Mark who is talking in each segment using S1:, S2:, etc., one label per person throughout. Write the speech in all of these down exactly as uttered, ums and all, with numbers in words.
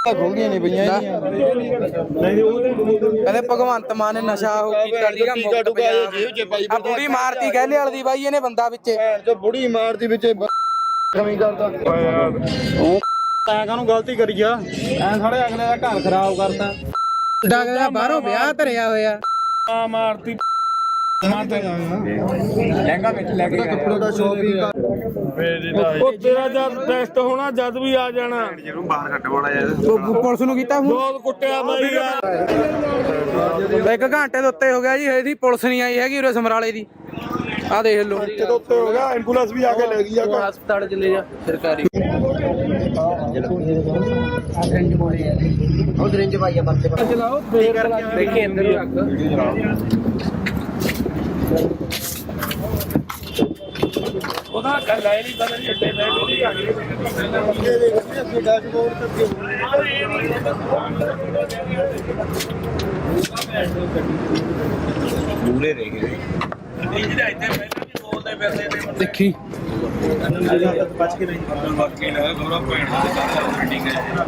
S1: ਖੁੱਲਦੀਆਂ ਨਹੀਂ ਪਈਆਂ ਕਹਿੰਦੇ ਭਗਵੰਤ ਮਾਨ ਨੇ ਨਸ਼ਾ ਉਹ ਕੀਤਾ ਸੀਗਾ ਮੁਕਤ ਪੰਜਾਬ। ਆ ਬੁੜੀ ਮਾਰਤੀ ਗਹਿਲੇ ਵਾਲੀ ਦੀ ਬਾਈ ਇਹਨੇ ਬੰਦਾ ਵਿੱਚ
S2: ਬੁੜੀ ਮਾਰਤੀ ਵਿੱਚ ਕਮੀ ਕਰਦਾ ਉਹ ਤੈਂ ਕਾਹਨੂੰ ਗਲਤੀ ਕਰੀ ਆ ਐ ਸਾਡੇ ਅਗਲੇ ਦਾ ਘਰ ਖਰਾਬ ਕਰਤਾ
S1: ਡਾਗਾ ਬਾਹਰੋਂ ਵਿਆਹ ਧਰਿਆ ਹੋਇਆ
S2: ਆ ਮਾਰਤੀ ਲਹਿੰਗਾ ਵਿੱਚ ਲੈ ਕੇ ਕੱਪੜੇ ਦਾ ਸ਼ੋਪਿੰਗ ਉਹ ਤੇਰਾ ਜਦ ਟੈਸਟ ਹੋਣਾ ਜਦ ਵੀ ਆ ਜਾਣਾ ਜਿਹਨੂੰ ਬਾਹਰ ਕੱਢਵਾਉਣਾ ਯਾਰ
S1: ਪੁਲਿਸ ਨੂੰ ਕੀਤਾ
S2: ਬਹੁਤ ਕੁੱਟਿਆ ਬਾਈ ਯਾਰ
S1: ਇੱਕ ਘੰਟੇ ਦੇ ਉੱਤੇ ਹੋ ਗਿਆ ਜੀ ਇਹਦੀ ਪੁਲਿਸ ਨਹੀਂ ਆਈ ਹੈਗੀ ਉਰੇ ਸਮਰਾਲੇ ਦੀ। ਆ ਦੇਖ ਲਓ
S2: ਘੰਟੇ ਦੇ ਉੱਤੇ ਹੋ ਗਿਆ ਐਂਬੂਲੈਂਸ ਵੀ ਆ ਕੇ ਲੈ ਗਈ ਆ
S1: ਹਸਪਤਾਲ ਚਲੇ ਜਾ ਸਰਕਾਰੀ
S3: ਉਹ ਰਿੰਜ ਭਾਈਆ ਪਰਤੇ ਪਰ
S1: ਚਲਾਓ ਦੇਖੇ ਅੰਦਰ ਰੱਖ
S2: ਉਹਦਾ ਗੱਲ ਆਈ ਨਹੀਂ ਬਦਲ ਛੱਡੇ ਬੈਠ ਨਹੀਂ ਆ ਗਈ ਡੈਸ਼ਬੋਰਡ ਤੇ
S3: ਦੂਰੇ ਰਹਿ ਗਏ
S2: ਇਹ ਜਿਹੜਾ ਇੱਥੇ ਪਹਿਲਾਂ ਵੀ ਬੋਲਦੇ ਫਿਰਦੇ ਨੇ
S1: ਦੇਖੀ
S2: ਬਚ ਕੇ ਨਹੀਂ ਬਾਕੀ ਨਾ ਗੋਰਾ ਪੁਆਇੰਟ ਤੇ ਸਾਰਾ ਬਿਲਡਿੰਗ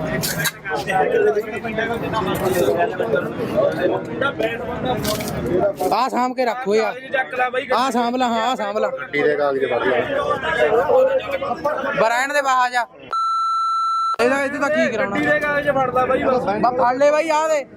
S1: ਆ ਸਾਂਭ ਕੇ ਰੱਖੋ ਯਾਰ ਆ ਸਾਂਭ ਲਾ। ਹਾਂ ਆ ਸਾਂਭ ਲਾ
S2: ਗੱਡੀ ਦੇ ਕਾਗਜ਼ ਫੜ
S1: ਬਰਾਇਣ ਦੇ ਬਾਹਰ ਜਾ ਇਹਦਾ ਇਹਦੇ ਤਾਂ ਕੀ ਕਰਾਉਣਾ
S2: ਗੱਡੀ ਦੇ ਕਾਗਜ਼ ਫੜਦਾ ਬਾਈ ਬਸ
S1: ਬਾ ਫੜ ਲੈ ਬਾਈ ਆ ਦੇ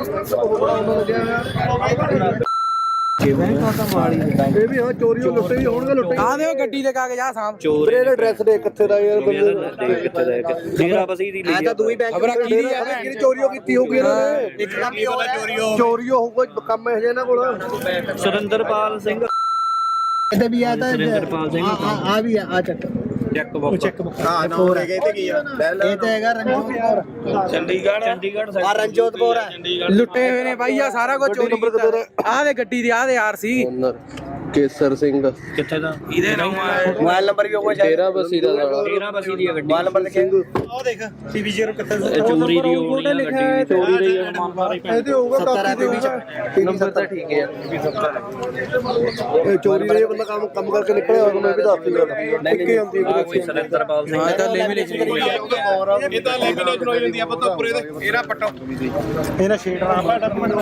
S2: ਇਹ ਵੀ ਹਾਂ ਚੋਰੀਓ ਲੁੱਟੇ ਵੀ ਹੋਣਗੇ ਲੁੱਟੇ
S1: ਆ ਦੇ ਉਹ ਗੱਡੀ ਦੇ ਕਾਗਜ਼ ਆ ਸਾਂਭ
S2: ਚੋਰ ਇਹਦਾ ਐਡਰੈਸ ਦੇ ਕਿੱਥੇ ਦਾ ਯਾਰ ਬੰਦੇ
S3: ਕਿੱਥੇ ਦਾ ਡੇਰਾ ਬਸੀ ਦੀ ਲਈ
S2: ਤਾਂ ਦੂਈ ਬੈਂਕ
S1: ਖਬਰਾਂ ਕੀ ਦੀ ਆ
S2: ਕਿਹੜੀ ਚੋਰੀਓ ਕੀਤੀ ਹੋਊਗੀ ਇਹਨਾਂ ਨੇ ਇੱਕ ਕੰਮ ਹੀ ਹੋਇਆ ਚੋਰੀਓ ਚੋਰੀਓ ਹੋਊਗਾ ਕੰਮ ਇਹ ਇਹਨਾਂ ਕੋਲ
S3: ਸੁਰਿੰਦਰਪਾਲ ਸਿੰਘ
S2: ਇੱਥੇ ਵੀ ਆ ਤਾਂ
S3: ਸੁਰਿੰਦਰਪਾਲ ਸਿੰਘ
S2: ਆ ਵੀ ਆ ਆ ਚੱਕ
S3: ਚੈੱਕ ਬੁੱਕ ਚੈੱਕ ਬੁੱਕ
S2: ਹਾਂ ਨੰਬਰ ਹੈਗੇ ਤੇ ਕੀ ਆ ਇਹ ਤੇ ਹੈਗਾ ਰਣਜੋਤ
S3: ਚੰਡੀਗੜ੍ਹ ਚੰਡੀਗੜ੍ਹ
S2: ਆ ਰਣਜੋਤਪੁਰ ਹੈ
S1: ਲੁੱਟੇ ਹੋਏ ਨੇ ਬਾਈ ਆ ਸਾਰਾ ਕੁਝ ਚੋਰੀ ਕੀਤਾ ਆ ਦੇ ਗੱਡੀ ਦੀ ਆ ਦੇ ਆਰ ਸੀ
S2: ਕੇਸਰ ਸਿੰਘ
S3: ਕਿੱਥੇ ਦਾ
S1: ਇਹਦੇ ਨਾਮ
S2: ਮੋਬਾਈਲ ਨੰਬਰ ਵੀ ਹੋਊਗਾ
S3: ਡੇਰਾ ਬਸੀ ਦਾ ਡੇਰਾ ਬਸੀ ਦੀ ਗੱਡੀ
S2: ਮੋਬਾਈਲ ਨੰਬਰ ਲਿਖਿਆ ਉਹ ਦੇਖ ਟੀਵੀ ਜ਼ੀਰੋ ਕਿੱਥੇ
S3: ਚੋਰੀ ਦੀ ਹੋਣੀ ਆ ਗੱਡੀ ਚੋਰੀ ਦੀ
S2: ਇਹਦੇ ਹੋਊਗਾ ਕਾਪੀ ਦੇ ਹੋਊਗਾ
S3: ਨੰਬਰ ਤਾਂ ਠੀਕ ਹੈ
S2: ਇਹ ਚੋਰੀ ਦੇ ਬੰਦਾ ਕੰਮ ਕੰਮ ਕਰਕੇ ਨਿਕਲਿਆ ਹੋਇਆ ਮੈਂ ਵੀ ਦੱਸ ਦਿੰਦਾ ਇੱਕੇ ਹੁੰਦੀ
S3: ਆ ਕੋਈ ਸੁਰਿੰਦਰਪਾਲ ਸਿੰਘ
S1: ਹਾਂ ਤਾਂ ਲੈ ਮਿਲੇ
S2: ਇਹ ਤਾਂ ਲੈ ਮਿਲੇ ਹੋ ਜਾਂਦੀ ਆ ਪਤਾ ਪੂਰੇ ਦੇ ਇਹਦਾ ਪੱਟੋ ਇਹਦਾ ਸ਼ੇਡ ਨਾ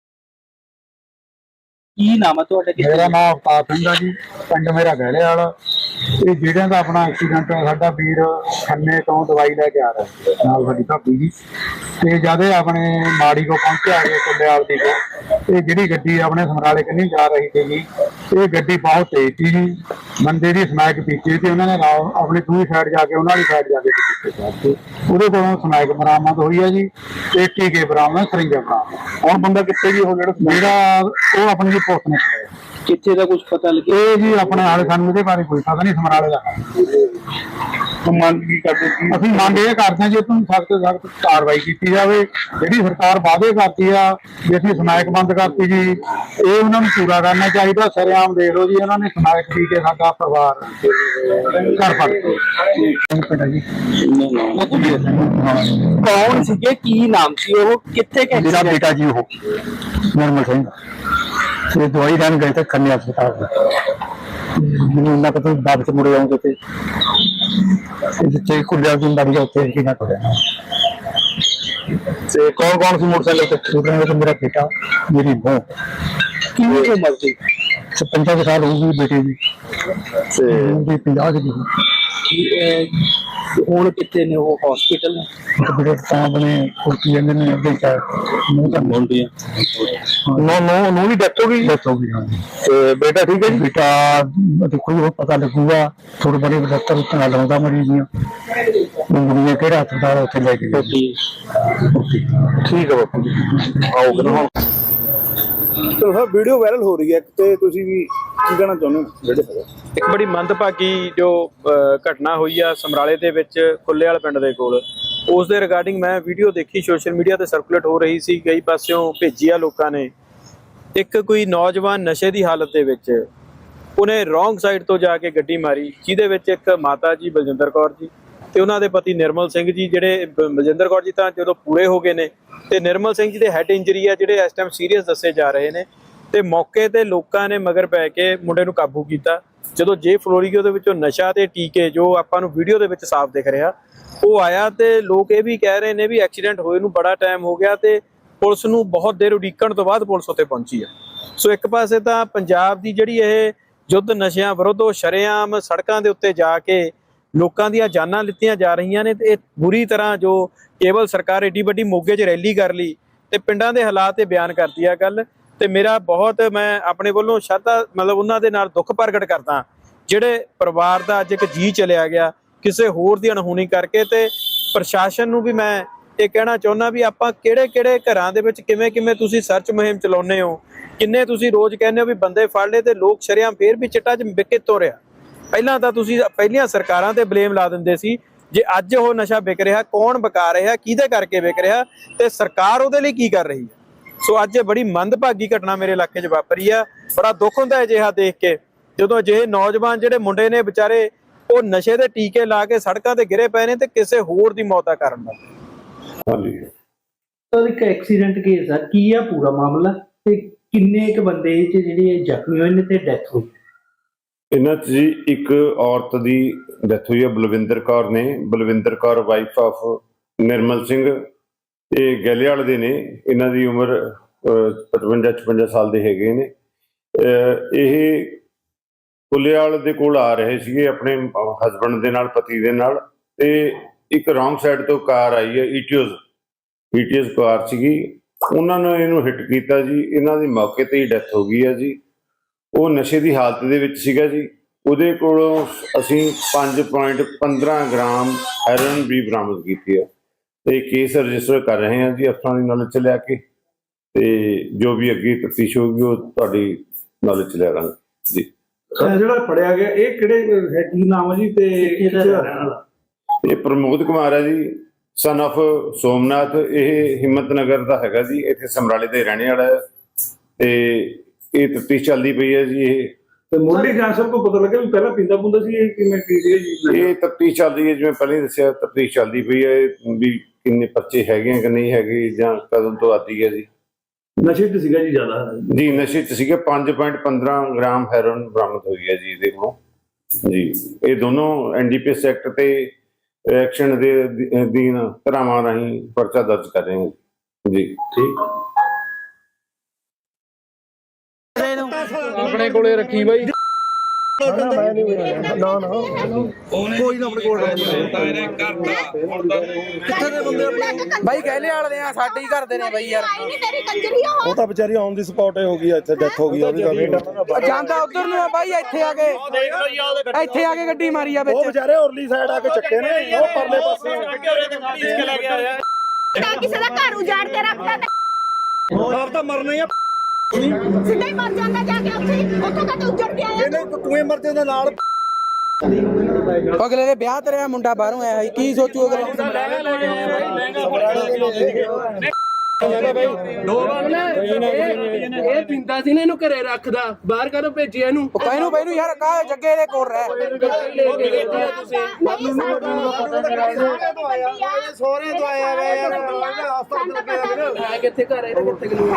S3: ਕੀ ਨਾਮ ਹੈ ਤੁਹਾਡਾ?
S4: ਮੇਰਾ ਨਾਮ ਅਵਤਾਰ ਸਿੰਘ ਆ ਜੀ, ਪਿੰਡ ਮੇਰਾ ਗਹਿਲੇ ਵਾਲਾ। ਇਹ ਜਿਹੜਿਆਂ ਦਾ ਆਪਣਾ ਐਕਸੀਡੈਂਟ ਸਾਡਾ ਵੀਰ ਖੰਨੇ ਤੋਂ ਦਵਾਈ ਲੈ ਕੇ ਆ ਰਿਹਾ ਨਾਲ ਸਾਡੀ ਭਾਬੀ ਜੀ, ਤੇ ਜਦ ਇਹ ਆਪਣੇ ਮਾੜੀ ਕੋ ਪਹੁੰਚਿਆ ਇਹ ਕੁੱਲੇਵਾਲ ਦੀ ਕੋ, ਇਹ ਜਿਹੜੀ ਗੱਡੀ ਆਪਣੇ ਸਮਰਾਲੇ ਕੰਨੀ ਜਾ ਰਹੀ ਸੀ ਜੀ, ਇਹ ਗੱਡੀ ਬਹੁਤ ਤੇਜ਼ ਸੀ ਜੀ। ਬੰਦੇ ਦੀ ਸਮੈਕ ਪੀਤੀ ਤੇ ਉਹਨਾਂ ਨੇ ਆਪਣੀ ਦੂਜੀ ਸਾਈਡ ਜਾ ਕੇ ਉਹਨਾਂ ਦੀ ਸਾਈਡ ਜਾ ਕੇ ਪਿੱਛੇ ਉਹਦੇ ਕੋਲੋਂ ਸਮੈਕ ਬਰਾਮਦ ਹੋਈ ਹੈ ਜੀ, ਤੇ ਟੀਕੇ ਬਰਾਮਦ, ਸਰਿੰਜਾਂ ਬਰਾਮਦ। ਹੁਣ ਬੰਦਾ ਕਿੱਥੇ ਜੀ ਉਹ ਜਿਹੜਾ ਜਿਹੜਾ ਉਹ ਆਪਣੀ ਜੀ ਪੁਲਿਸ ਨੇ ਫੜਿਆ।
S3: ਕਿੱਥੇ ਦਾ ਕੁਝ ਪਤਾ ਲੱਗਿਆ?
S4: ਇਹ ਜੀ ਆਪਣੇ ਆਲੇ ਸਾਨੂੰ ਇਹਦੇ ਬਾਰੇ ਕੋਈ ਪਤਾ ਨਹੀਂ, ਸਮਰਾਲੇ ਦਾ ਮੰਗ ਕੀ ਕਰਦੇ ਸੀ ਅਸੀਂ? ਮੰਗ ਇਹ ਕਰਦੇ ਹਾਂ ਜੀ ਤੁਹਾਨੂੰ ਸਖਤ ਤੋਂ ਸਖਤ ਕਾਰਵਾਈ ਕੀਤੀ ਜਾਵੇ। ਜਿਹੜੀ ਸਰਕਾਰ ਵਾਅਦੇ ਕਰਦੀ ਆ ਵੀ ਅਸੀਂ ਸਮੈਕ ਬੰਦ ਕਰਤੀ ਜੀ, ਇਹ ਉਹਨਾਂ ਨੂੰ ਪੂਰਾ ਕਰਨਾ ਚਾਹੀਦਾ। ਸਰੇਆਮ ਦੇਖ ਲਓ ਜੀ, ਉਹਨਾਂ ਨੇ ਸਮੈਕ ਪੀ ਕੇ ਸਾਡਾ ਪਰਿਵਾਰ ਘਰ ਫੜ ਜੀ।
S3: ਕੌਣ ਸੀਗੇ, ਕੀ ਨਾਮ ਸੀ ਉਹ, ਕਿੱਥੇ ਗਏ?
S4: ਮੇਰਾ ਬੇਟਾ ਜੀ ਉਹ ਨਿਰਮਲ ਸਿੰਘ, ਇਹ ਦਵਾਈ ਲੈਣ ਗਏ ਤੇ ਖੰਨੇ ਹਸਪਤਾਲ ਮੈਨੂੰ ਉਹਨਾਂ ਕੋਲ ਵਾਪਸ ਮੁੜੇ ਆਉਂਦੇ ਤੇ ਜਿੱਥੇ ਕੁੜੀਆਂ ਦੀ ਮਰੀ ਉੱਥੇ ਕੀ ਨਾ ਕਰਿਆ। ਤੇ ਕੌਣ ਕੌਣ ਸੀ ਮੋਟਰਸਾਈਕਲ ਤੇ? ਉਹਨਾਂ ਨੇ ਮੇਰਾ ਬੇਟਾ, ਮੇਰੀ ਬਹੂ।
S3: ਕਿੰਨੀ ਉਮਰ ਸੀ?
S4: ਪੰਦਰਾਂ ਸਾਲ ਹੋ ਗਈ ਬੇਟੇ ਦੀ, ਤੇ ਪੰਜਾਹ ਦੀ।
S3: ਹੁਣ ਕਿੱਥੇ ਨੇ ਉਹ? ਹਸਪੀਟਲ ਨੇ?
S4: ਬੇਟੇ ਤਾਂ ਆਪਣੇ ਕੁਰਕੀ ਜਾਂਦੇ ਨੇ ਅੱਗੇ ਚਾਹ ਮੂੰਹ ਤਾਂ ਬੋਲਦੀ ਆ। ਨੋ ਨੋ ਨੋ ਵੀ ਡੈਥ ਹੋ ਗਈ। ਡੈਥ ਹੋ ਗਈ ਹਾਂ। ਤੇ ਬੇਟਾ ਠੀਕ ਹੈ ਜੀ? ਬੇਟਾ ਦੇਖੋ ਜੀ ਪਤਾ ਲੱਗੂਗਾ, ਥੋੜੇ ਬੜੇ ਡਾਕਟਰ ਉੱਤੇ ਨਾਲ ਲਾਉਂਦਾ ਮਰੀਜ਼ ਦੀਆਂ ਉਂਗਲੀਆਂ ਕਿਹੜਾ ਹਸਪਤਾਲ ਉੱਥੇ ਲੈ ਕੇ ਗਏ। ਠੀਕ ਹੈ ਬਾਪੂ ਜੀ, ਆਓਗੇ ਨਾ।
S2: ਚਲੋ ਸਰ, ਵੀਡੀਓ ਵਾਇਰਲ ਹੋ ਰਹੀ ਹੈ ਤੇ ਤੁਸੀਂ ਵੀ ਕੀ ਕਹਿਣਾ ਚਾਹੁੰਦੇ ਹੋ?
S5: ਇੱਕ ਬੜੀ ਮੰਦਭਾਗੀ ਜੋ ਘਟਨਾ ਹੋਈ ਆ ਸਮਰਾਲੇ ਦੇ ਵਿੱਚ ਕੁੱਲੇਵਾਲ ਪਿੰਡ ਦੇ ਕੋਲ, ਉਸ ਦੇ ਰਿਗਾਰਡਿੰਗ ਮੈਂ ਵੀਡੀਓ ਦੇਖੀ, ਸੋਸ਼ਲ ਮੀਡੀਆ ਤੇ ਸਰਕੂਲੇਟ ਹੋ ਰਹੀ ਸੀ, ਕਈ ਪਾਸਿਓਂ ਭੇਜੀ ਆ ਲੋਕਾਂ ਨੇ। ਇੱਕ ਕੋਈ ਨੌਜਵਾਨ ਨਸ਼ੇ ਦੀ ਹਾਲਤ ਦੇ ਵਿੱਚ ਉਹਨੇ ਰੋਂਗ ਸਾਈਡ ਤੋਂ ਜਾ ਕੇ ਗੱਡੀ ਮਾਰੀ, ਜਿਹਦੇ ਵਿੱਚ ਇੱਕ ਮਾਤਾ ਜੀ ਬਲਜਿੰਦਰ ਕੌਰ ਜੀ ਤੇ ਉਹਨਾਂ ਦੇ ਪਤੀ ਨਿਰਮਲ ਸਿੰਘ ਜੀ, ਜਿਹੜੇ ਬਲਜਿੰਦਰ ਕੌਰ ਜੀ ਤਾਂ ਜਦੋਂ ਪੂਰੇ ਹੋ ਗਏ ਨੇ, ਤੇ ਨਿਰਮਲ ਸਿੰਘ ਜੀ ਦੇ ਹੈਡ ਇੰਜਰੀ ਆ ਜਿਹੜੇ ਇਸ ਟਾਈਮ ਸੀਰੀਅਸ ਦੱਸੇ ਜਾ ਰਹੇ ਨੇ। ਤੇ ਮੌਕੇ ਤੇ ਲੋਕਾਂ ਨੇ ਮਗਰ ਪੈ ਕੇ ਮੁੰਡੇ ਨੂੰ ਕਾਬੂ ਕੀਤਾ ਜਦੋਂ ਜੇ ਫਲੋਰੀਗੋ ਦੇ ਵਿੱਚੋਂ ਨਸ਼ਾ ਤੇ ਟੀਕੇ ਜੋ ਆਪਾਂ ਨੂੰ ਵੀਡੀਓ ਦੇ ਵਿੱਚ ਸਾਫ਼ ਦਿਖ ਰਿਹਾ ਉਹ ਆਇਆ, ਤੇ ਲੋਕ ਇਹ ਵੀ ਕਹਿ ਰਹੇ ਨੇ ਵੀ ਐਕਸੀਡੈਂਟ ਹੋਏ ਨੂੰ ਬੜਾ ਟਾਈਮ ਹੋ ਗਿਆ ਤੇ ਪੁਲਿਸ ਨੂੰ ਬਹੁਤ ਦੇਰ ਉਡੀਕਣ ਤੋਂ ਬਾਅਦ ਪੁਲਿਸ ਉੱਤੇ ਪਹੁੰਚੀ ਆ। ਸੋ ਇੱਕ ਪਾਸੇ ਤਾਂ ਪੰਜਾਬ ਦੀ ਜਿਹੜੀ ਇਹ ਯੁੱਧ ਨਸ਼ਿਆਂ ਵਿਰੁੱਧ ਉਹ ਸ਼ਰੇਆਮ ਸੜਕਾਂ ਦੇ ਉੱਤੇ ਜਾ ਕੇ ਲੋਕਾਂ ਦੀਆਂ ਜਾਨਾਂ ਲਿੱਤੀਆਂ ਜਾ ਰਹੀਆਂ ਨੇ, ਤੇ ਇਹ ਬੁਰੀ ਤਰ੍ਹਾਂ ਜੋ ਕੇਵਲ ਸਰਕਾਰ ਏਡੀ ਵੱਡੀ ਮੋਗੇ 'ਚ ਰੈਲੀ ਕਰ ਲਈ ਤੇ ਪਿੰਡਾਂ ਦੇ ਹਾਲਾਤ ਤੇ ਬਿਆਨ ਕਰਦੀ ਆ ਗੱਲ। ਤੇ ਮੇਰਾ ਬਹੁਤ ਮੈਂ ਆਪਣੇ ਵੱਲੋਂ ਸ਼ਰਧਾ ਮਤਲਬ ਉਹਨਾਂ ਦੇ ਨਾਲ ਦੁੱਖ ਪ੍ਰਗਟ ਕਰਦਾ ਜਿਹੜੇ ਪਰਿਵਾਰ ਦਾ ਅੱਜ ਇੱਕ ਜੀ ਚਲਿਆ ਗਿਆ ਕਿਸੇ ਹੋਰ ਦੀ ਅਣਹੋਣੀ ਕਰਕੇ। ਤੇ ਪ੍ਰਸ਼ਾਸਨ ਨੂੰ ਵੀ ਮੈਂ ਇਹ ਕਹਿਣਾ ਚਾਹੁੰਦਾ ਵੀ ਆਪਾਂ ਕਿਹੜੇ ਕਿਹੜੇ ਘਰਾਂ ਦੇ ਵਿੱਚ ਕਿਵੇਂ ਕਿਵੇਂ ਤੁਸੀਂ ਸਰਚ ਮੁਹਿੰਮ ਚਲਾਉਂਦੇ ਹੋ, ਕਿੰਨੇ ਤੁਸੀਂ ਰੋਜ਼ ਕਹਿੰਦੇ ਹੋ ਵੀ ਬੰਦੇ ਫੜ ਲਏ ਤੇ ਲੋਕ ਸ਼ਰੇਆਮ ਫੇਰ ਵੀ ਚਿੱਟਾ 'ਚ ਵਿਕ ਕਿੱਥੋਂ ਰਿਹਾ। ਪਹਿਲਾਂ ਤਾਂ ਤੁਸੀਂ ਪਹਿਲੀਆਂ ਸਰਕਾਰਾਂ ਤੇ ਬਲੇਮ ਲਾ ਦਿੰਦੇ ਸੀ, ਜੇ ਅੱਜ ਉਹ ਨਸ਼ਾ ਵਿਕ ਰਿਹਾ ਕੌਣ ਵਿਕਾ ਰਿਹਾ, ਕਿਹਦੇ ਕਰਕੇ ਵਿਕ ਰਿਹਾ ਤੇ ਸਰਕਾਰ ਉਹਦੇ ਲਈ ਕੀ ਕਰ ਰਹੀ ਹੈ। ਸੋ ਅੱਜ ਇਹ ਬੜੀ ਮੰਦਭਾਗੀ ਘਟਨਾ ਮੇਰੇ ਇਲਾਕੇ 'ਚ ਵਾਪਰੀ ਆ। ਬੜਾ ਦੁੱਖ ਹੁੰਦਾ ਹੈ ਅਜਿਹਾ ਦੇਖ ਕੇ, ਜਦੋਂ ਅਜਿਹੇ ਨੌਜਵਾਨ ਜਿਹੜੇ ਮੁੰਡੇ ਨੇ ਵਿਚਾਰੇ ਉਹ ਨਸ਼ੇ ਦੇ ਟੀਕੇ ਲਾ ਕੇ ਸੜਕਾਂ ਤੇ ਗਿਰੇ ਪਏ ਨੇ ਤੇ ਕਿਸੇ ਹੋਰ ਦੀ ਮੌਤ ਦਾ ਕਾਰਨ ਬਣ।
S3: ਹਾਂਜੀ ਸਰ ਇੱਕ ਐਕਸੀਡੈਂਟ ਕੇਸ ਆ, ਕੀ ਆ ਪੂਰਾ ਮਾਮਲਾ ਤੇ ਕਿੰਨੇ ਇੱਕ ਬੰਦੇ ਚ ਜਿਹੜੇ ਜ਼ਖਮੀ ਹੋਏ ਨੇ ਤੇ ਡੈਥ ਹੋਈ?
S6: ਇਹਨਾਂ 'ਚ ਜੀ ਇੱਕ ਔਰਤ ਦੀ ਡੈਥ ਹੋਈ ਹੈ, ਬਲਵਿੰਦਰ ਕੌਰ ਨੇ। ਬਲਵਿੰਦਰ ਕੌਰ ਵਾਈਫ ਆਫ ਨਿਰਮਲ ਸਿੰਘ, ਇਹ ਗੈਲੇਵਾਲ ਦੇ ਨੇ। ਇਹਨਾਂ ਦੀ ਉਮਰ ਪਚਵੰਜਾ ਛਪੰਜਾ ਸਾਲ ਦੇ ਹੈਗੇ ਨੇ। ਇਹ ਕੁੱਲੇਵਾਲ ਦੇ ਕੋਲ ਆ ਰਹੇ ਸੀਗੇ ਆਪਣੇ ਹਸਬੈਂਡ ਦੇ ਨਾਲ, ਪਤੀ ਦੇ ਨਾਲ, ਤੇ ਇੱਕ ਰੌਂਗ ਸਾਈਡ ਤੋਂ ਕਾਰ ਆਈ ਹੈ, ਈਟੀਓਜ਼ ਈਟੀਓਜ਼ ਕਾਰ ਸੀਗੀ। ਉਹਨਾਂ ਨੇ ਇਹਨੂੰ ਹਿੱਟ ਕੀਤਾ ਜੀ, ਇਹਨਾਂ ਦੀ ਮੌਕੇ ਤੇ ਹੀ ਡੈਥ ਹੋ ਗਈ ਹੈ ਜੀ। ਉਹ ਨਸ਼ੇ ਦੀ ਹਾਲਤ ਦੇ ਵਿੱਚ ਸੀਗਾ ਜੀ। ਉਹਦੇ ਕੋਲੋਂ ਅਸੀਂ ਪੰਜ ਪੁਆਇੰਟ ਪੰਦਰਾਂ ਗ੍ਰਾਮ ਹੈਰੋਇਨ ਵੀ ਬਰਾਮਦ ਕੀਤੀ ਹੈ ਤੇ ਕੇਸ ਰਜਿਸਟਰ ਕਰ ਰਹੇ ਹਾਂ ਜੀ ਅਫਸਰਾਂ ਦੀ ਨੌਲੇਜ 'ਚ ਲਿਆ ਕੇ, ਤੇ ਜੋ ਵੀ ਅੱਗੇ ਤਫਤੀਸ਼ ਹੋਊਗੀ ਉਹ ਤੁਹਾਡੀ ਨੌਲੇਜ 'ਚ ਲਿਆ ਕਰਾਂਗੇ ਜੀ।
S2: ਜਿਹੜਾ ਫੜਿਆ ਗਿਆ ਇਹ ਕਿਹੜੇ ਕੀ ਨਾਮ ਹੈ ਜੀ ਤੇ ਕਿਹਦਾ ਰਹਿਣ ਵਾਲਾ?
S6: ਇਹ ਪ੍ਰਮੋਦ ਕੁਮਾਰ ਹੈ ਜੀ, ਸਨ ਆਫ ਸੋਮਨਾਥ। ਇਹ ਹਿੰਮਤ ਨਗਰ ਦਾ ਹੈਗਾ ਜੀ, ਇੱਥੇ ਸਮਰਾਲੇ ਦੇ ਰਹਿਣੇ ਵਾਲਾ ਹੈ ਤੇ ਇਹ ਤਫਤੀਸ਼ ਚੱਲਦੀ ਪਈ ਹੈ ਜੀ। ਇਹ
S2: ਤੇ ਮੁੱਢਲੀ ਜਾਂਚ ਸਭ ਕੋ ਪਤਾ ਲੱਗਿਆ ਵੀ ਪਹਿਲਾਂ ਪੀਂਦਾ ਪੁੰਦਾ ਸੀ, ਇਹ ਕਿਵੇਂ ਕੀ ਸੀ ਜੀ?
S6: ਇਹ ਤਫਤੀਸ਼ ਚੱਲ ਰਹੀ ਹੈ, ਜਿਵੇਂ ਪਹਿਲਾਂ ਹੀ ਦੱਸਿਆ ਤਫਤੀਸ਼ ਚੱਲਦੀ ਪਈ ਹੈ ਵੀ ਕਿੰਨੇ ਪਰਚੇ ਹੈਗੇ ਕਿ ਨਹੀਂ ਹੈਗੇ ਜਾਂ ਕਦੋਂ ਤੋਂ ਆਦੀ ਹੈ ਜੀ।
S2: ਨਸ਼ੇ ਤੇ ਸੀਗਾ ਜੀ ਜ਼ਿਆਦਾ
S6: ਜੀ, ਨਸ਼ੇ 'ਚ ਸੀਗੇ। ਪੰਜ ਪੁਆਇੰਟ ਪੰਦਰਾਂ ਗ੍ਰਾਮ ਹੈਰੋਇਨ ਬਰਾਮਦ ਹੋਈ ਹੈ ਜੀ ਇਹਦੇ ਕੋਲੋਂ ਜੀ। ਇਹ ਦੋਨੋਂ N D P S act ਤੇ ਐਕਸ਼ਨ ਦੇ ਅਧੀਨ ਧਾਰਾਵਾਂ ਰਾਹੀਂ ਪਰਚਾ ਦਰਜ ਕਰ ਰਹੇ ਹਾਂ ਜੀ। ਠੀਕ
S2: ਆਪਣੇ ਕੋਲੇ ਰੱਖੀ ਬਾਈ।
S1: ਬਾਈ ਗਹਿਲੇ ਵਾਲੇ ਆ, ਸਾਡੇ ਹੀ ਘਰ ਦੇ ਨੇ ਬਾਈ ਯਾਰ।
S2: ਉਹ ਤਾਂ ਵਿਚਾਰੀ ਔਨ ਦੀ ਸਪੌਟ ਹੋ ਗਈ, ਇੱਥੇ ਡੈਥ ਹੋ ਗਈ ਉਹਦੀ।
S1: ਜਾਂਦਾ ਉਧਰ ਨੂੰ ਆ ਬਾਈ, ਇੱਥੇ ਆ ਕੇ ਇੱਥੇ ਆ ਕੇ ਗੱਡੀ ਮਾਰੀ ਆ ਵਿੱਚ।
S2: ਉਹ ਵਿਚਾਰੇ ਉਰਲੀ ਸਾਈਡ ਆ ਕੇ ਚੱਕੇ ਨੇ, ਉਹ ਪਰਲੇ ਪਾਸੇ
S7: ਕਿਸੇ ਦਾ ਘਰ ਉਜਾੜ ਕੇ ਰੱਖਦਾ ਤੇ
S2: ਆਪ ਤਾਂ ਮਰਨਾ ਹੀ ਆ।
S7: ਸਿੱਧਾ ਹੀ ਮਰ ਜਾਂਦਾ ਜਾ ਕੇ ਉੱਥੇ, ਉੱਥੋਂ ਕਦੇ ਉੱਜੜ ਕੇ ਆਇਆ।
S2: ਇਹਨੇ ਤੂੰ ਹੀ ਮਰ ਜਾਂਦਾ ਨਾਲ।
S1: ਅਗਲੇ ਦੇ ਵਿਆਹ ਤੇ ਰਿਹਾ ਮੁੰਡਾ ਬਾਹਰੋਂ ਆਇਆ ਸੀ, ਕੀ ਸੋਚੂ ਅਗਲੇ?
S3: ਇਹ ਪਿੰਦਾ ਸੀ ਨੇ ਇਹਨੂੰ ਘਰੇ ਰੱਖਦਾ, ਬਾਹਰ ਕਦੋਂ ਭੇਜਿਆ ਇਹਨੂੰ?
S1: ਉਹ ਕਹਿਨੂੰ ਬਈ ਨੂੰ ਯਾਰ ਕਾ ਜੱਗੇ ਦੇ ਕੋਲ ਰਹਿ।
S2: ਸੋਹਰੇ ਤੋਂ ਆਇਆ ਵੇ ਯਾਰ,
S3: ਕਿੱਥੇ ਘਰ ਇਹਦਾ ਕਿੱਥੇ ਗਲੂ?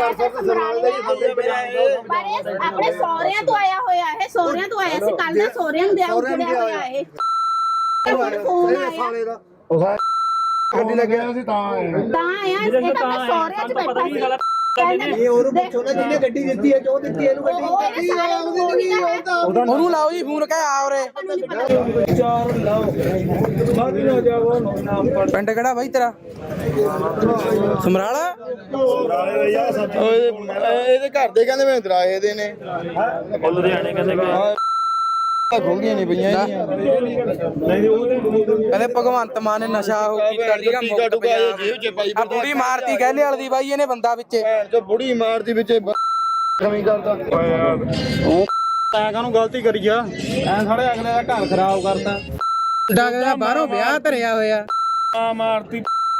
S7: ਆਪਣੇ ਸਹੁਰਿਆਂ ਤੋਂ ਆਇਆ ਹੋਇਆ ਇਹ, ਸਹੁਰਿਆਂ ਤੋਂ ਆਇਆ ਸੀ ਕੱਲ ਦਾ, ਸਹੁਰਿਆਂ ਨੂੰ ਦਿਆ ਉੱਜੜਿਆ ਹੋਇਆ ਇਹ। ਫੋਨ ਆਇਆ
S2: ਗੱਡੀ ਲੱਗਿਆ ਸੀ ਤਾਂ
S7: ਤਾਂ ਆਇਆ, ਇਹ ਤਾਂ ਆਪਣੇ ਸਹੁਰਿਆਂ 'ਚ ਬੈਠਾ ਸੀ।
S8: ਇਹ ਉਹਨੂੰ ਪੁੱਛੋ ਨਾ ਜਿਹਨੇ ਗੱਡੀ ਦਿੱਤੀ ਹੈ, ਕਿਉਂ ਦਿੱਤੀ ਇਹਨੂੰ ਗੱਡੀ?
S7: ਗੱਡੀ ਉਹਦੀ ਨਹੀਂ ਹੈ।
S1: ਉਹਨੂੰ ਲਾਓ ਜੀ ਫੋਨ, ਕਹਿ ਆ ਉਰੇ। ਪਿੰਡ ਕਿਹੜਾ ਬਾਈ ਤੇਰਾ? ਸਮਰਾਲਾ।
S2: ਇਹਦੇ ਘਰ ਦੇ ਕਹਿੰਦੇ ਮੈਂ ਦਰਾਏ ਦੇ ਨੇ, ਲੁਧਿਆਣੇ ਕਹਿੰਦੇ ਖੋਲੀਆਂ ਨਹੀਂ ਪਈਆਂ ਇਹਦੀਆਂ।
S1: ਕਹਿੰਦੇ ਭਗਵੰਤ ਮਾਨ ਨੇ ਨਸ਼ਾ ਉਹ ਕੀਤਾ ਸੀਗਾ ਮੁਕਤ ਪੰਜਾਬ। ਆ ਬੁੜੀ ਮਾਰਤੀ ਗਹਿਲੇ ਵਾਲੀ ਦੀ ਬਾਈ ਇਹਨੇ ਬੰਦਾ ਵਿੱਚ।
S2: ਜੋ ਬੁੜੀ ਮਾਰਦੀ ਵਿੱਚ ਕਮੀ ਕਰਦਾ ਤੈਂ ਕਾਹਨੂੰ ਗਲਤੀ ਕਰੀ ਆ? ਐ ਸਾਡੇ ਅਗਲੇ ਦਾ ਘਰ ਖਰਾਬ ਕਰਤਾ।
S1: ਡਾਗਾ ਬਾਹਰੋਂ ਵਿਆਹ ਧਰਿਆ ਹੋਇਆ।
S2: ਆ ਮਾਰਤੀ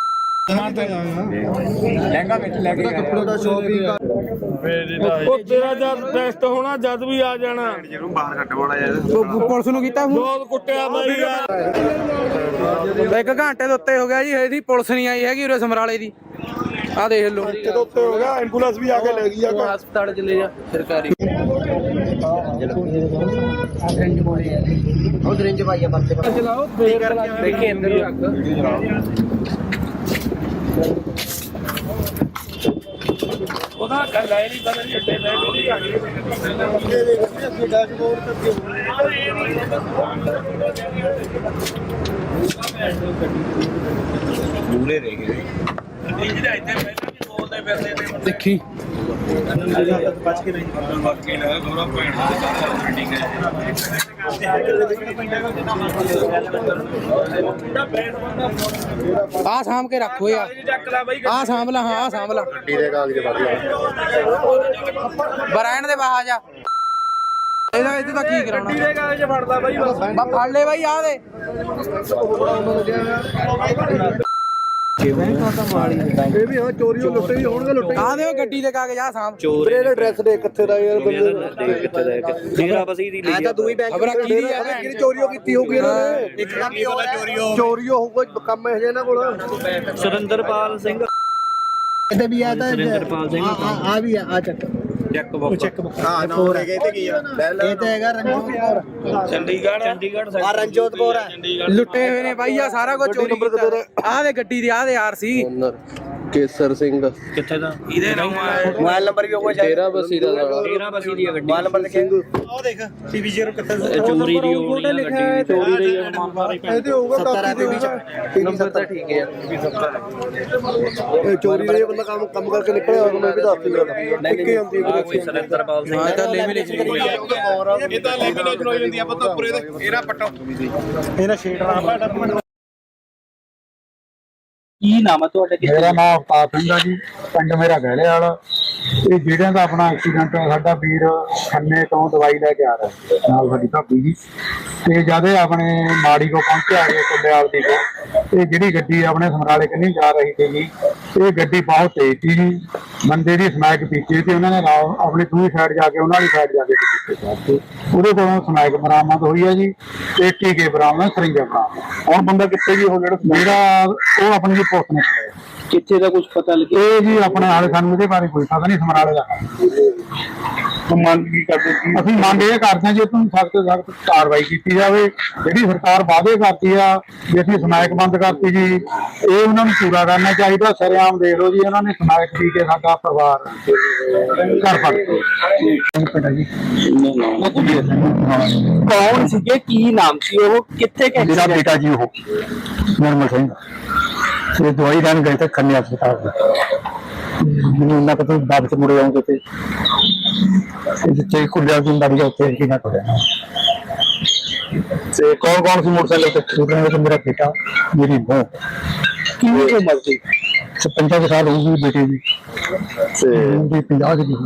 S2: ਲਹਿੰਗਾ ਵਿੱਚ ਲੈ ਕੇ ਕੱਪੜੇ ਦਾ ਸ਼ੋਪਿੰਗ ਉਹ ਤੇਰਾ ਜਦ ਟੈਸਟ ਹੋਣਾ ਜਦ ਵੀ ਆ ਜਾਣਾ। ਜਿਹਨੂੰ ਬਾਹਰ ਕੱਢ ਵਾਲਾ ਯਾਰ
S1: ਪੁਲਿਸ ਨੂੰ ਕੀਤਾ ਫੋਨ?
S2: ਬਹੁਤ ਕੁੱਟਿਆ ਬਾਈ ਯਾਰ।
S1: ਇੱਕ ਘੰਟੇ ਦੇ ਉੱਤੇ ਹੋ ਗਿਆ ਜੀ, ਇਹਦੀ ਪੁਲਿਸ ਨਹੀਂ ਆਈ ਹੈਗੀ ਉਰੇ ਸਮਰਾਲੇ ਦੀ। ਆ ਦੇਖ ਲਓ,
S2: ਜਦੋਂ ਉੱਤੇ ਹੋ ਗਿਆ ਐਂਬੂਲੈਂਸ ਵੀ ਆ ਕੇ ਲੈ ਗਈ ਆ।
S3: ਹਸਪਤਾਲ ਚਲੇ ਜਾ ਸਰਕਾਰੀ।
S8: ਉਹ ਰਿੰਜ ਪਾਈਆ ਪਰਚੇ ਪਰ
S1: ਚਲਾਓ ਦੇਖੇ ਅੰਦਰ ਰੱਖ ਉਹਦਾ ਗੱਲ ਆਈ ਨਹੀਂ ਪਤਾ ਨਹੀਂ ਇੱਥੇ ਬੈਠ
S2: ਡੈਸ਼ਬੋਰਡ ਤੇ
S1: ਦੂਰੇ ਰਹਿ ਗਏ ਇਹ ਜਿਹੜਾ ਇੱਥੇ ਪਹਿਲਾਂ ਵੀ ਬੋਲਦੇ ਫਿਰਦੇ ਨੇ ਦੇਖੀ
S2: ਬਚ ਕੇ ਨਹੀਂ
S1: ਬਾਕੀ ਨਾ ਥੋੜਾ ਭੈਣ ਦਾ ਮੀਟਿੰਗ ਆ ਸਾਂਭ ਕੇ ਰੱਖੋ ਯਾਰ ਆ ਸਾਂਭ ਲਾ ਹਾਂ ਆ ਸਾਂਭ ਲਾ
S2: ਗੱਡੀ ਦੇ ਕਾਗਜ਼ ਵੜ
S1: ਬਰਾਇਣ ਦੇ ਬਾਹਰ ਜਾ ਇਹਦਾ ਇੱਥੇ ਤਾਂ ਕੀ ਕਰਾਉਣਾ ਗੱਡੀ ਦੇ ਕਾਗਜ਼ ਫੜਦਾ ਬਾਈ ਬਸ ਬਾ ਫੜ ਲੈ ਬਾਈ ਆ ਦੇ
S2: ਇਹ ਵੀ ਹਾਂ ਚੋਰੀਆਂ ਲੁੱਟੇ ਵੀ ਹੋਣਗੇ ਲੁੱਟੇ
S1: ਆ ਦੇ ਗੱਡੀ ਦੇ ਕਾਗਜ਼ ਆ ਸਾਂਭ
S2: ਵੀਰੇ ਇਹਦਾ ਐਡਰੈਸ ਦੇ ਕਿੱਥੇ ਦਾ ਯਾਰ ਬੰਦੇ ਕਿੱਥੇ ਦਾ ਡੇਰਾ ਬਸੀ ਦੀ ਲਈ ਤਾਂ ਦੂਈ ਬੈਂਕ
S1: ਖਬਰਾਂ ਕੀ ਦੀ ਆ
S2: ਕਿਹੜੀ ਚੋਰੀਓ ਕੀਤੀ ਹੋਊਗੀ ਇਹਨਾਂ ਨੇ ਇੱਕ ਕੰਮ ਚੋਰੀਓ ਚੋਰੀਓ ਹੋਊਗਾ ਕੰਮ ਇਹ ਇਹਨਾਂ ਕੋਲ
S5: ਸੁਰਿੰਦਰਪਾਲ ਸਿੰਘ
S8: ਇਹਦੇ ਵੀ ਆ ਤਾਂ ਸੁਰਿੰਦਰਪਾਲ ਸਿੰਘ ਆ ਵੀ ਆ ਆ ਚੱਕ
S5: ਚੈੱਕ ਬੁੱਕ
S2: ਹਾਂ ਨੰਬਰ ਹੈਗੇ ਤੇ ਕੀ ਆ
S8: ਇਹ ਤਾਂ ਹੈਗਾ ਰਣਜੋਤ
S5: ਚੰਡੀਗੜ੍ਹ ਚੰਡੀਗੜ੍ਹ
S8: ਆ ਰਣਜੋਤ ਕੌਰ ਆ
S1: ਲੁੱਟੇ ਹੋਏ ਨੇ ਬਾਈ ਆ ਸਾਰਾ ਕੁਝ ਚੋਰੀ ਕੀਤਾ ਆ ਦੇ ਗੱਡੀ ਦੇ ਆ ਦੇ ਆਰ ਸੀ
S2: ਕੇਸਰ ਸਿੰਘ
S5: ਕਿੱਥੇ ਦਾ ਇਹਦੇ ਨਾਮ
S8: ਮੋਬਾਈਲ ਨੰਬਰ ਵੀ ਹੋਊਗਾ
S2: ਤੇਰਾ ਬਸੀ ਦਾ
S5: ਤੇਰਾ ਬਸੀ ਦੀ ਗੱਡੀ
S8: ਮੋਬਾਈਲ ਨੰਬਰ ਲਿਖਿਆ
S2: ਉਹ ਦੇਖ ਸੀਵੀ ਜ਼ੀਰੋ ਕਿੱਥੇ
S5: ਚੋਰੀ ਦੀ ਹੋ ਰਹੀ ਹੈ ਗੱਡੀ ਚੋਰੀ ਦੀ
S2: ਇਹਦੇ ਹੋਊਗਾ
S8: ਸੱਤਰ
S2: ਕਾਪੀ ਦੇ ਵਿੱਚ
S8: ਨੰਬਰ ਤਾਂ ਠੀਕ ਹੈ
S2: ਇਹ ਚੋਰੀ ਦੇ ਬੰਦਾ ਕੰਮ ਕੰਮ ਕਰਕੇ ਨਿਕਲਿਆ ਹੋਇਆ ਮੈਂ ਵੀ ਦੱਸ ਦਿੰਦਾ ਇੱਕੇ ਹੁੰਦੀ ਹੈ
S5: ਕੋਈ ਸੁਰਿੰਦਰਪਾਲ ਸਿੰਘ
S1: ਹਾਂ ਤਾਂ ਲੈਮੀਨੇਸ਼ਨ ਹੋਈ ਆ
S2: ਇਹ ਤਾਂ ਲੈਮੀਨੇਸ਼ਨ ਹੋ ਜਾਂਦੀ ਆ ਪਤਾ ਪੂਰੇ ਦੇ ਇਹਦਾ ਪੱਟੋ ਇਹਦਾ ਸ਼ੀਟ ਨਾ
S3: ਕੀ ਨਾਮ ਹੈ ਤੁਹਾਡਾ?
S4: ਮੇਰਾ ਨਾਮ ਅਵਤਾਰ ਸਿੰਘ ਆ ਜੀ, ਪਿੰਡ ਮੇਰਾ ਗਹਿਲੇ ਵਾਲਾ। ਇਹ ਜਿਹੜਿਆਂ ਦਾ ਆਪਣਾ ਐਕਸੀਡੈਂਟ ਹੋਇਆ, ਸਾਡਾ ਵੀਰ ਖੰਨੇ ਤੋਂ ਦਵਾਈ ਲੈ ਕੇ ਆ ਰਿਹਾ ਸੀ ਨਾਲ ਸਾਡੀ ਭਾਬੀ ਜੀ, ਤੇ ਜਦ ਇਹ ਆਪਣੇ ਮਾੜੀ ਕੋ ਪਹੁੰਚਿਆ ਇਹ ਕੁੱਲੇਵਾਲ ਦੀ ਕੋ, ਇਹ ਜਿਹੜੀ ਗੱਡੀ ਆਪਣੇ ਸਮਰਾਲੇ ਕੰਨੀ ਜਾ ਰਹੀ ਸੀ ਜੀ, ਇਹ ਗੱਡੀ ਬਹੁਤ ਤੇਜ਼ ਸੀ ਜੀ, ਬੰਦੇ ਦੀ ਸਮੈਕ ਪੀਤੀ ਤੇ ਉਹਨਾਂ ਨੇ ਆਪਣੀ ਦੂਜੀ ਸਾਈਡ ਜਾ ਕੇ ਉਹਨਾਂ ਦੀ ਸਾਈਡ ਜਾ ਕੇ ਪਿੱਛੇ ਉਹਦੇ ਕੋਲੋਂ ਸਮੈਕ ਬਰਾਮਦ ਹੋਈ ਹੈ ਜੀ, ਤੇ ਟੀਕੇ ਬਰਾਮਦ, ਸਰਿੰਜਾਂ ਬਰਾਮਦ। ਹੁਣ ਬੰਦਾ ਕਿੱਥੇ ਜੀ ਉਹ ਜਿਹੜਾ ਮੇਰਾ ਉਹ ਆਪਣੀ ਜੀ ਪੁਲਿਸ ਨੇ ਫੜਿਆ।
S3: ਕਿੱਥੇ ਦਾ ਕੁਝ ਪਤਾ ਲੱਗਿਆ?
S4: ਇਹ ਜੀ ਆਪਣੇ ਹਾਲੇ ਸਾਨੂੰ ਇਹਦੇ ਬਾਰੇ ਕੋਈ ਪਤਾ ਨਹੀਂ, ਸਮਰਾਲੇ ਦਾ ਮੰਗ ਕੀ ਕਰਦੇ ਸੀ ਅਸੀਂ? ਮੰਗ ਇਹ ਕਰਦੇ ਹਾਂ ਜੀ ਤੁਹਾਨੂੰ ਸਖਤ ਤੋਂ ਸਖਤ ਕਾਰਵਾਈ ਕੀਤੀ ਜਾਵੇ। ਜਿਹੜੀ ਸਰਕਾਰ ਵਾਅਦੇ ਕਰਦੀ ਆ ਵੀ ਅਸੀਂ ਸਮੈਕ ਬੰਦ ਕਰਤੀ ਜੀ, ਇਹ ਉਹਨਾਂ ਨੂੰ ਪੂਰਾ ਕਰਨਾ ਚਾਹੀਦਾ। ਸਰੇਆਮ ਦੇਖ ਲਓ ਜੀ, ਉਹਨਾਂ ਨੇ ਸਮੈਕ ਪੀ ਕੇ ਸਾਡਾ ਪਰਿਵਾਰ ਘਰ ਫੜ ਜੀ।
S3: ਕੌਣ ਸੀਗੇ, ਕੀ ਨਾਮ ਸੀ ਉਹ, ਕਿੱਥੇ ਕਿ
S4: ਮੇਰਾ ਬੇਟਾ ਜੀ ਉਹ ਨਿਰਮਲ ਸਿੰਘ, ਇਹ ਦਵਾਈ ਲੈਣ ਗਏ ਤੇ ਖੰਨੇ ਹਸਪਤਾਲ ਮੈਨੂੰ ਉਹਨਾਂ ਕੋਲ ਬਾਅਦ ਚ ਮੁੜੇ ਆਉਂਦੇ ਤੇ ਜਿੱਥੇ ਕੁੜੀਆਂ ਦੀ ਬਾੜੀ ਉੱਥੇ ਕੀ ਨਾ ਕਰਿਆ। ਤੇ ਕੌਣ ਕੌਣ ਸੀ ਮੋਟਰਸਾਈਕਲ ਤੇ? ਉਹਨਾਂ ਨੇ ਮੇਰਾ ਬੇਟਾ, ਮੇਰੀ ਬਹੂ।
S3: ਕਿੰਨੀ ਉਮਰ ਸੀ?
S4: ਪੰਜਾਹ ਸਾਲ ਹੋ ਗਈ ਬੇਟੇ ਦੀ, ਤੇ ਪੰਜਾਹ ਦੀ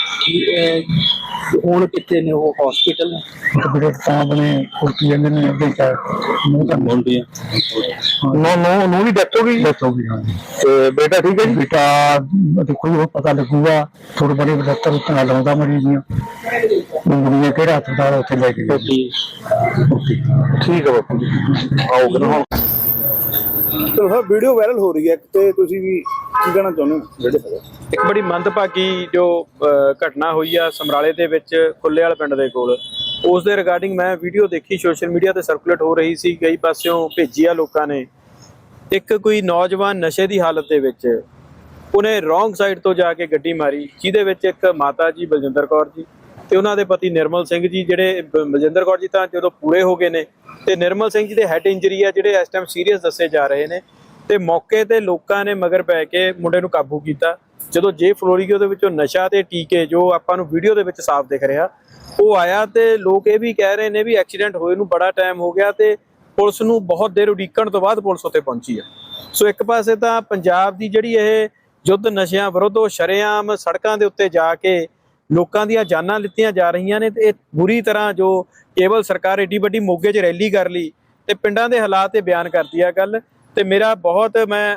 S3: ਹੁਣ ਕਿੱਥੇ ਨੇ ਉਹ? ਹਸਪੀਟਲ ਨੇ?
S4: ਬੇਟੇ ਤਾਂ ਆਪਣੇ ਕੁਰਤੀ ਜਾਂਦੇ ਨੇ ਅੱਗੇ ਮੂੰਹ ਤਾਂ ਬੋਲਦੀ ਆ। ਨੋ ਨੋ ਨੋ ਦੀ ਡੈਥ ਹੋ ਗਈ। ਡੈਥ ਹੋ ਗਈ ਹਾਂ। ਤੇ ਬੇਟਾ ਠੀਕ ਹੈ ਜੀ? ਬੇਟਾ ਦੇਖੋ ਉਹ ਪਤਾ ਲੱਗੂਗਾ, ਥੋੜੇ ਬੜੇ ਡਾਕਟਰ ਉੱਤੇ ਨਾਲ ਲਾਉਂਦਾ ਮਰੀਜ਼ ਦੀਆਂ ਮੁੰਡੀਆਂ ਕਿਹੜਾ ਹਸਪਤਾਲ ਉੱਥੇ ਲੈ ਕੇ ਗਏ। ਠੀਕ ਹੈ ਬਾਪੂ ਜੀ, ਆਓਗੇ ਨਾ।
S2: ਚਲੋ ਸਰ, ਵੀਡੀਓ ਵਾਇਰਲ ਹੋ ਰਹੀ ਹੈ ਤੇ ਤੁਸੀਂ ਵੀ ਕੀ ਕਹਿਣਾ ਚਾਹੁੰਦੇ ਹੋ ਜਿਹੜੇ?
S5: ਇੱਕ ਬੜੀ ਮੰਦਭਾਗੀ ਜੋ ਘਟਨਾ ਹੋਈ ਆ ਸਮਰਾਲੇ ਦੇ ਵਿੱਚ ਕੁੱਲੇਵਾਲ ਪਿੰਡ ਦੇ ਕੋਲ, ਉਸ ਦੇ ਰਿਗਾਰਡਿੰਗ ਮੈਂ ਵੀਡੀਓ ਦੇਖੀ, ਸੋਸ਼ਲ ਮੀਡੀਆ ਤੇ ਸਰਕੂਲੇਟ ਹੋ ਰਹੀ ਸੀ, ਕਈ ਪਾਸਿਓਂ ਭੇਜੀ ਆ ਲੋਕਾਂ ਨੇ। ਇੱਕ ਕੋਈ ਨੌਜਵਾਨ ਨਸ਼ੇ ਦੀ ਹਾਲਤ ਦੇ ਵਿੱਚ ਉਹਨੇ ਰੋਂਗ ਸਾਈਡ ਤੋਂ ਜਾ ਕੇ ਗੱਡੀ ਮਾਰੀ, ਜਿਹਦੇ ਵਿੱਚ ਇੱਕ ਮਾਤਾ ਜੀ ਬਲਜਿੰਦਰ ਕੌਰ ਜੀ ਤੇ ਉਹਨਾਂ ਦੇ ਪਤੀ ਨਿਰਮਲ ਸਿੰਘ ਜੀ, ਜਿਹੜੇ ਬਲਜਿੰਦਰ ਕੌਰ ਜੀ ਤਾਂ ਜਦੋਂ ਪੂਰੇ ਹੋ ਗਏ ਨੇ, ਤੇ ਨਿਰਮਲ ਸਿੰਘ ਜੀ ਦੇ ਹੈਡ ਇੰਜਰੀ ਆ ਜਿਹੜੇ ਇਸ ਟਾਈਮ ਸੀਰੀਅਸ ਦੱਸੇ ਜਾ ਰਹੇ ਨੇ। ਤੇ ਮੌਕੇ ਤੇ ਲੋਕਾਂ ਨੇ ਮਗਰ ਪੈ ਕੇ ਮੁੰਡੇ ਨੂੰ ਕਾਬੂ ਕੀਤਾ। ਜਦੋਂ ਜੇ ਫਲੋਰੀਗੋ ਦੇ ਵਿੱਚੋਂ ਨਸ਼ਾ ਤੇ ਟੀਕੇ, ਜੋ ਆਪਾਂ ਨੂੰ ਵੀਡੀਓ ਦੇ ਵਿੱਚ ਸਾਫ਼ ਦਿਖ ਰਿਹਾ, ਉਹ ਆਇਆ, ਤੇ ਲੋਕ ਇਹ ਵੀ ਕਹਿ ਰਹੇ ਨੇ ਵੀ ਐਕਸੀਡੈਂਟ ਹੋਏ ਨੂੰ ਬੜਾ ਟਾਈਮ ਹੋ ਗਿਆ ਤੇ ਪੁਲਿਸ ਨੂੰ ਬਹੁਤ ਦੇਰ ਉਡੀਕਣ ਤੋਂ ਬਾਅਦ ਪੁਲਿਸ ਉੱਤੇ ਪਹੁੰਚੀ ਆ। ਸੋ ਇੱਕ ਪਾਸੇ ਤਾਂ ਪੰਜਾਬ ਦੀ ਜਿਹੜੀ ਇਹ ਯੁੱਧ ਨਸ਼ਿਆਂ ਵਿਰੁੱਧ, ਉਹ ਸ਼ਰੇਆਮ ਸੜਕਾਂ ਦੇ ਉੱਤੇ ਜਾ ਕੇ ਲੋਕਾਂ ਦੀਆਂ ਜਾਨਾਂ ਲਿੱਤੀਆਂ ਜਾ ਰਹੀਆਂ ਨੇ, ਤੇ ਇਹ ਬੁਰੀ ਤਰ੍ਹਾਂ ਜੋ ਕੇਵਲ ਸਰਕਾਰ ਏਡੀ ਵੱਡੀ ਮੋਗੇ 'ਚ ਰੈਲੀ ਕਰ ਲਈ ਤੇ ਪਿੰਡਾਂ ਦੇ ਹਾਲਾਤ ਤੇ ਬਿਆਨ ਕਰਦੀ ਆ ਗੱਲ। ਤੇ ਮੇਰਾ ਬਹੁਤ ਮੈਂ